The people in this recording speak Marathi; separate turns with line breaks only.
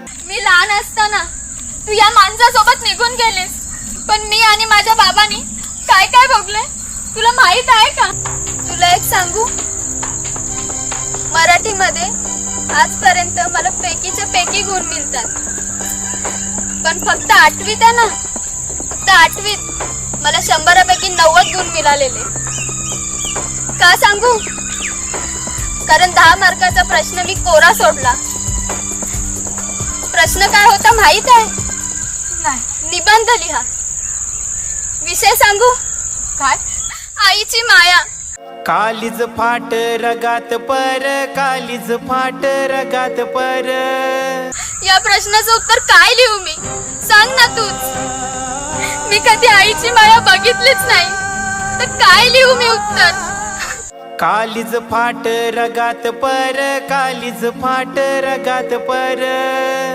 मी लहान असताना तू या माणसासोबत निघून गेलीस, पण मी आणि माझ्या बाबांनी काय काय भोगले तुला माहित आहे का? तुला एक सांगू, मराठीमध्ये आजपर्यंत मला पैकीच्या पैकी गुण मिळतात, पण फक्त 8वीत आहे ना, फक्त 8वीत मला 100पैकी 90 गुण मिळालेले. का सांगू? कारण 10 मार्काचा प्रश्न मी कोरा सोडला. प्रश्न काय होता माहित आहे? नाही. निबंध लिहा. विषय सांगू काय? आईची माया.
कालीज फाट रगात पर, कालीज फाट रगात पर.
या प्रश्नाचं उत्तर काय लिहू मी? सांग ना तूच. मी कधी आईची माया बघितलीच नाही, तर काय लिहू मी उत्तर?
कालीज फाट रगात पर, कालीज फाट रगात पर.